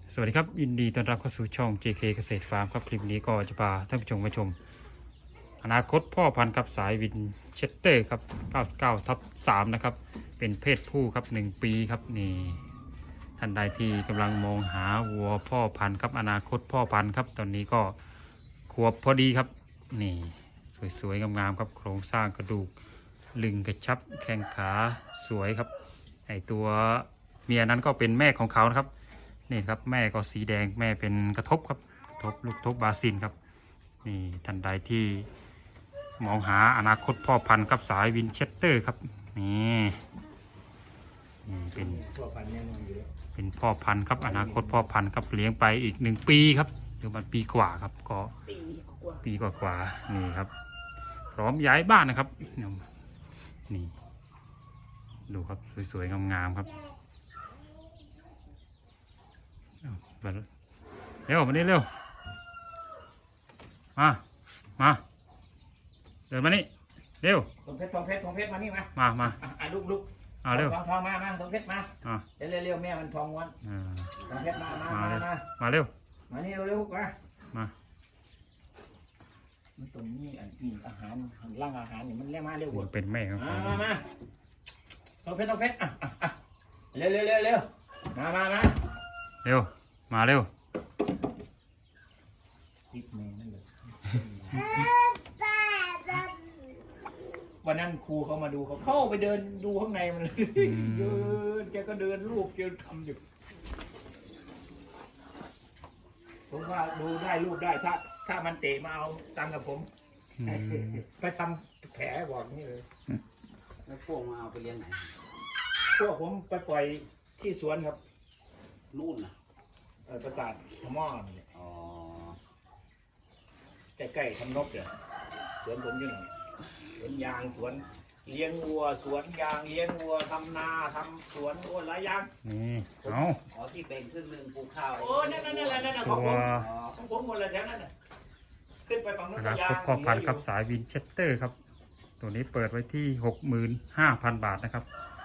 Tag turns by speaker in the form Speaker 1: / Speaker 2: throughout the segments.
Speaker 1: สวัสดีครับยินดีต้อนรับเข้าสู่ช่อง JK เกษตรฟาร์มครับคลิปนี้ก็จะพาท่านผู้ชมมาชมอนาคตพ่อพันธุ์ครับสายวินเชสเตอร์ครับ99/3นะครับเป็นเพศผู้ครับ1ปีครับนี่ท่านใดที่กำลังมองหาวัวพ่อพันธุ์ครับอนาคตพ่อพันธุ์ครับตอนนี้ก็ขวบพอดีครับนี่สวยๆงามๆครับโครงสร้างกระดูกลึงกระชับแข้งขาสวยครับไอตัวเมียนั้นก็เป็นแม่ของเขานะครับนี่ครับแม่ก็สีแดงแม่เป็นกระทบครับทบลูกทบบาซินครับนี่ท่านใดที่มองหาอนาคตพ่อพันธุ์ครับสายวินเชสเตอร์ครับนี่เป็นพ่อพันธุ์ครับอนาคตพ่อพันธุ์ครับเลี้ยงไปอีก1 ปีครับหรือมันปีกว่าครับก็ปีกว่านี่ครับพร้อมย้ายบ้านนะครับนี่ดูครับสวยๆงามๆครับเร็วมานี่เร็วมาเดินมานี่เร็ว
Speaker 2: ทองเพชรมานี่
Speaker 1: มา
Speaker 2: ลูก
Speaker 1: เร็ว
Speaker 2: ทองมาทองเพชรมาเร็วแม่มันทองวันทองเพชร
Speaker 1: มาเร็ว
Speaker 2: มานี่เร็วมามันตรงนี้อาหารร่างอาหารนี่มันเรียกมาเร็ว
Speaker 1: เป็นแม่ครับ
Speaker 2: มาทองเพชรเร็วมาเร็ว
Speaker 1: เร็วมาเร็ว
Speaker 2: ติดแม่นั่นเลยวันนั้นครูเขามาดูเขาเข้าไปเดินดูข้างในมันเลยเดินแกก็เดินรูปแกทำอยู่ผมว่าดูได้รูปได้ถ้ามันเตะมาเอาตังกับผมไปทำแผลบอกนี่เลย
Speaker 3: แล้วพวกมาเอาไปเลี้ยงไหน
Speaker 2: พวกผมไปปล่อยที่สวนครับ
Speaker 3: นู่นน่ะ
Speaker 2: ปราสาทพม่าเนี่ยใกล้ๆทำนกเนี่ยสวนผมอยู่ไหนสวนยางสวนเลี้ยงวัวสวนยางเลี้ยงวัวทำนาทำสวนโอ้หลายอย่าง
Speaker 1: นี่
Speaker 3: ที่เป็นครึ่งหนึ่งปลูกข้าว
Speaker 2: โอ้นั่นของผมหมดเลยแถวนั้นขึ้นไปฝั่งนู้น
Speaker 1: อนาคตพ่อพันธุ์ครับสายวินเชสเตอร์ครับตัวนี้เปิดไว้ที่65,000 บาทนะครับ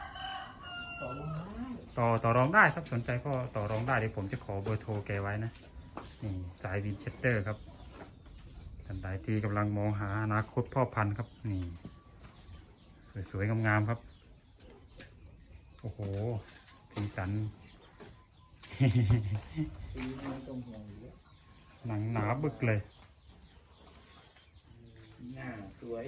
Speaker 1: ต่อรองได้ครับสนใจก็ต่อรองได้เดี๋ยวผมจะขอเบอร์โทรแกไว้นะนี่สายวินเชสเตอร์ครับท่านใดที่กำลังมองหาอนาคตพ่อพันธุ์ครับนี่สวยๆงามๆครับโอ้โหสีสันหนังหนาบึกเลย
Speaker 2: หน้าสวย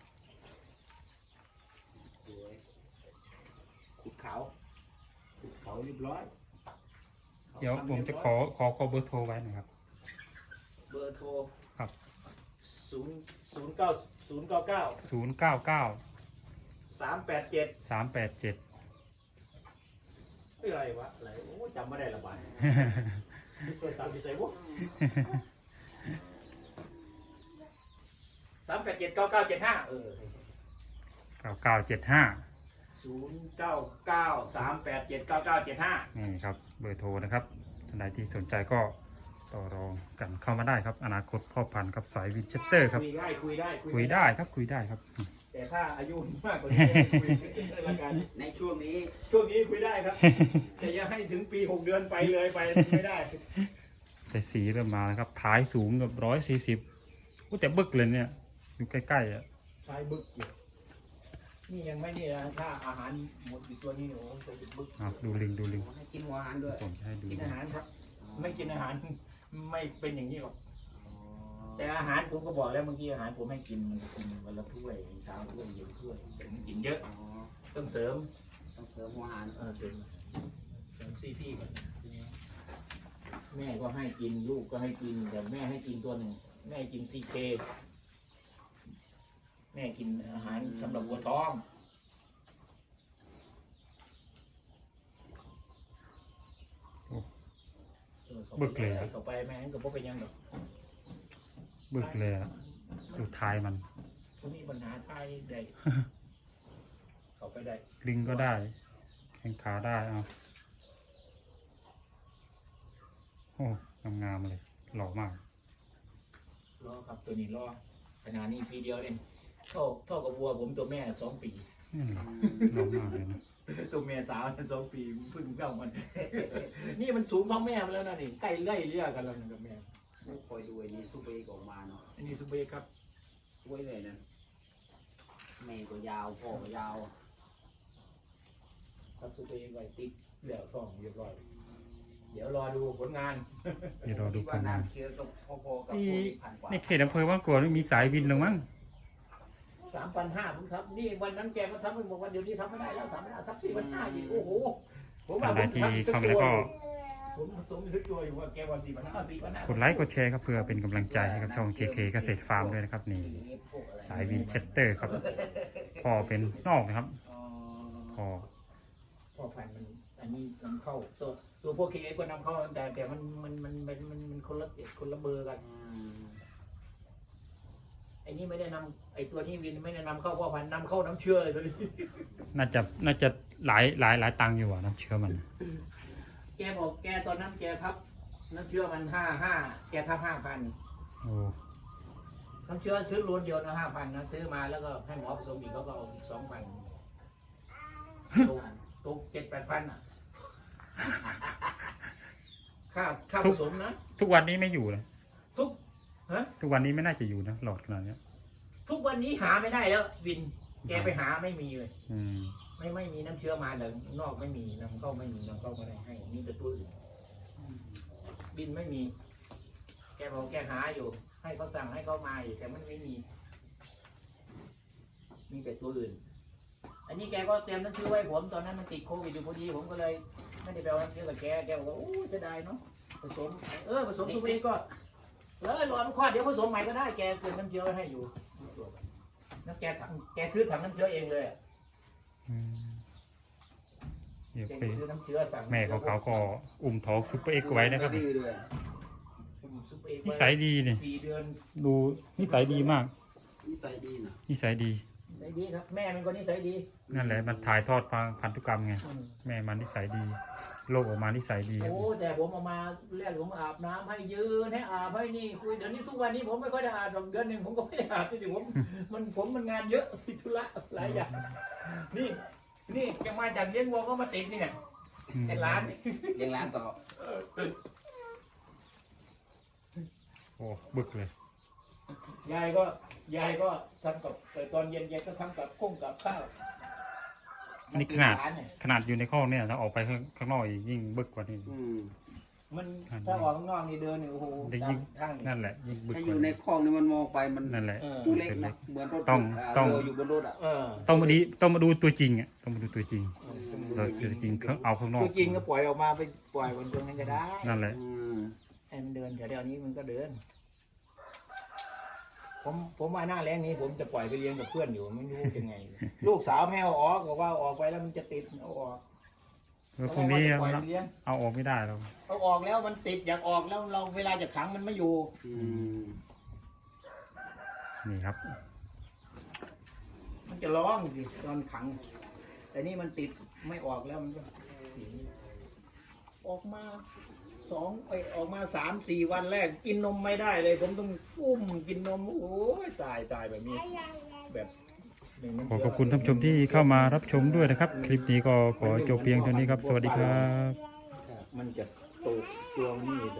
Speaker 2: ขุดเขาเรียบร้อย
Speaker 1: เดี๋ยวผมจะขอเบอร์โทรไว้นะครับ
Speaker 2: เบอร์โทร
Speaker 1: ครับ
Speaker 2: 099 387อะไรวะอะไรโอ้จำไม่ได้ละบายเปิด3 4 ใส่วะ387 9975
Speaker 1: นี่ครับเบอร์โทรนะครับท่านใดที่สนใจก็ต่อรองกันเข้ามาได้ครับอนาคตพ่อพันธุ์กับสายวินเชสเตอร์ครับ
Speaker 2: คุยได้
Speaker 1: ครับ
Speaker 2: แต่ถ้าอายุมากกว่านี้คุยละกัน
Speaker 3: ในช่วงนี้
Speaker 2: คุยได้ครับแต่อย่าให้ถึงปี6 เดือนไปเลยไปไม่ได้
Speaker 1: แต่สีเริ่มมาแล้วครับท้ายสูงแบบ140แต่บึกเลยเนี่ยอยู่ใกล้ๆ
Speaker 2: ท้ายบึกอยู่นี่ยังไม่นี่นะถ้าอาหารหมดอีกตัวนี้โอ้จะบึก
Speaker 1: ดูลิง
Speaker 3: ให้กินอาหารด้วย
Speaker 1: ผมให้ดู
Speaker 2: กินอาหารครับไม่กินอาหารไม่เป็นอย่างนี้หรอกแต่อาหารผมก็บอกแล้วเมื่อกี้อาหารผมให้กินวันละถ้วยเช้าถ้วยเย็นถ้วยผมกินเยอะต้องเสริม
Speaker 3: หัวอาหาร
Speaker 2: เสริมซีพีก่อนแม่ก็ให้กินลูกก็ให้กินแต่แม่ให้กินตัวหนึ่งแม่กินซีเคแม่กินอาหารสำหรับวัวท้อง
Speaker 1: บึกเลย
Speaker 2: เข้าไปแม่งก็พบไปยังหรอก
Speaker 1: บึกเลยดูท้ายมัน
Speaker 2: มีปัญหาท้ายได้เข้าไปได้
Speaker 1: ลิงก็ได้แข้งขาได้โอ้งามเลยหล่อมาก
Speaker 2: รอครับตัวนี้รอขนาดนี้ปีเดียวเองเท่ากับวัวผมตัวแม่2 ปี
Speaker 1: หล่อมากเลยนะ
Speaker 2: ตัวเมียสาว2 ปีเพิ่งเข้ามัน นี่มันสูงเท่าแม่มาแล้วนะนี่ใกล้ไล่เลี่ยกันแล้วนะกับแม่
Speaker 3: คอยดูไอ้นี่ซูเปอร์ออกมาเนาะ
Speaker 2: อันนี้ซุปเปอร์ครับ
Speaker 3: สวยเลยนะแม่ก็ยาวพ่อก็ยาว
Speaker 2: ครับซุปเปอร์ไว้ติดเหลือท้องเรียบร้อยเดี๋ยวรอดูผลงาน
Speaker 1: เดี๋ยวรอดู
Speaker 3: คิ
Speaker 1: ผ
Speaker 3: ว่า
Speaker 1: ลงาน
Speaker 3: น้ำเชื้อก็พอๆกับ
Speaker 1: นี่
Speaker 3: พวกที่พันกว่า
Speaker 1: ในเขตอำเภอว่ากลัวมีสายวินหรือมั้ง
Speaker 2: 3,500ผมครับนี่วันนั้นแกมาทำมันบอกว่าเดี๋ยวนี้ทำไม่ได้แล้ว3,500สัก4,500อีกโอ้โหผมว่า
Speaker 1: ท่านใดที่เข้ามาแล้วก็
Speaker 2: ผมผสมทึกตัวอยู่ว่าแกว่า4,500
Speaker 1: กดไลค์กดแชร์ครับเพื่อเป็นกำลังใจให้กับช่อง JK เกษตรฟาร์มด้วยนะครับนี่สายวินเชสเตอร์ครับพ่อเป็นนอกนะครับ
Speaker 2: อ๋อ
Speaker 1: พ่อ
Speaker 2: พ่อพันธุ์มันอันนี้นำเข้าตัวพวกเคเอก็นำเข้าแต่มันคนละเบอร์กัน ไอ้นี่ไม่ได้นำไอ้ตัวนี้วินไม่ได้นำเข้าพ่อพันธุ์นำเข้าน้ำเชื่อเลยตัวนี้
Speaker 1: น่าจะหลายตังค์อยู่อ่ะน้ำเชื้อมัน
Speaker 2: แกบอกแกตอนนั้นแกทับน้ำเชื่อมันแกทับ5,000
Speaker 1: โอ้
Speaker 2: น้ำเชื่อซื้อล้วนเดียวนะ5,000นะซื้อมาแล้วก็ให้หมอผสมอีกเขาก็เอาอีก2,000ตก7-8,000อ่ะค่าผสมนะ
Speaker 1: ทุกวันนี้ไม่อยู่นะ
Speaker 2: ทุก
Speaker 1: วันนี้ไม่น่าจะอยู่นะหลอดขนาดเนี้ย
Speaker 2: ทุกวันนี้หาไม่ได้แล้ววิน แกไปหาไม่มีเลย
Speaker 1: อืม
Speaker 2: ไม่มีน้ำเชื้อมาเลยนอกไม่มีนำเข้าไม่มีนำเข้าไม่ได้ให้มีแต่ตัวอื่นบินไม่มี แกบอกแกหาอยู่ ให้เขาสั่งให้เขามาอยู่แต่มันไม่มีมีแต่ตัวอื่น อันนี้แกก็เตรียมน้ำเชื้อไว้ผมตอนนั้นมันติดโควิดอยู่พอดีผมก็เลยไม่ได้ไปเอาน้ำเชื้อกับแกบอกว่าโอ้เสียดายเนาะผสมผสมสุเปก็แล้วรอมันคลอดเดี๋ยวผสมใหม่ก็ได้แกเตรียมน้ำเชื้อไว้ให้อยู่น้ำแกซื้อถังน้ำเชื้อเองเลย
Speaker 1: อืมเดี๋ยว
Speaker 2: แก
Speaker 1: ไป
Speaker 2: ซื้อน้ำเชื้อสั่ง
Speaker 1: แม่ของเขาก็อุ้มท้องซุปเปอร์เอ็กซ์ไว้นะครับ
Speaker 3: ดีด้วย
Speaker 2: ซุปเปอร์
Speaker 1: นิสัยดีนี่
Speaker 2: 4 เดือน
Speaker 1: ดูนิสัยดีมาก
Speaker 3: นิสัยดีนะ
Speaker 1: นิสัยดี
Speaker 2: นิสัยดีครับ แม่มันก็นิสัยดี
Speaker 1: นั่นแหละมันถ่ายทอดพันธุกรรมไงแม่มันนิสัยดีโลกออกมานิสัยดีครับ
Speaker 2: โอ้แต่ผมเอามาแรกผมอาบน้ำให้ยืนให้อาบให้นี่คุยเดี๋ยวนี้ทุกวันนี้ผมไม่ค่อยได้อาบหรอกเดือนหนึ่งผมก็ไม่ได้อาบที่ผมมันงานเยอะติดธุระหลายอย่างนี่จะมาจากเลี้ยงวัวก็มาติดนี่ไง
Speaker 1: อืม
Speaker 2: เป็นร้าน
Speaker 3: เลี้ยงร้านต่อ
Speaker 1: โอ้บึกเลย
Speaker 2: ยายก็ทำกับตอนเย็นยายก็ทำกับกุ้งกับข้าว
Speaker 1: อันนี้ขนาดอยู่ในข้อเนี่ยถ้าออกไปข้างนอกอีกยิ่งบึกกว่านี้
Speaker 2: มันถ้าออกข้างนอกนี่เดินนี่โอ้โห
Speaker 1: ได้ยิ่ง
Speaker 2: ทางนี่
Speaker 1: นั่นแหละยิ่งบึก
Speaker 3: ถ้าก อ
Speaker 1: ว่า
Speaker 3: ยู่ใน
Speaker 1: นี้
Speaker 3: คลองนี่มันมองไปมัน
Speaker 1: นั่นแหละ
Speaker 3: ตัวเล็กนะเหมือนรถ
Speaker 1: ต้อง
Speaker 3: เรืออยู่บนรถอ่ะ
Speaker 1: ต้องมาดูตัวจริงอ่ะต้องมาดูตัวจริงตัวจริงเอาข้างนอก
Speaker 2: ตัวจริงก็ปล่อยออกมาไปปล่อยบนตรงนั้นก็ได้
Speaker 1: นั่นแหละ
Speaker 2: ให้มันเดินแถวๆนี้มันก็เดิน ผมว่าหน้าแรงนี้ผมจะปล่อยไปเลี้ยงกับเพื่อนอยู่ไม่รู้ยังไง ลูกสาวแม่เอาออกบอกว่าออกไปแล้วมันจะติดเอาออก
Speaker 1: แล้วพวกนี้
Speaker 2: ปล่อยไปเลี้ยง
Speaker 1: เอาออกไม่ได้แล้ว
Speaker 2: เอาออกแล้วมันติดอยากออกแล้วเราเวลาจะขังมันไม่อยู่
Speaker 1: นี่ครับ
Speaker 2: มันจะร้องสิตอนขัง แต่นี่มันติดไม่ออกแล้วมันก็ออกมาออกมา3-4 วันแรกกินนมไม่ได้เลย ผมต้องอุ้มกินนมโอ้ยตายแบบนี้แบบ
Speaker 1: ขอขอบคุณท่านผู้ชมที่เข้ามารับชมด้วยนะครับ คลิปนี้ก็ขอจบเพียงเท่านี้ครับ สวัสดีครับ
Speaker 2: มันจะโตตัวนี่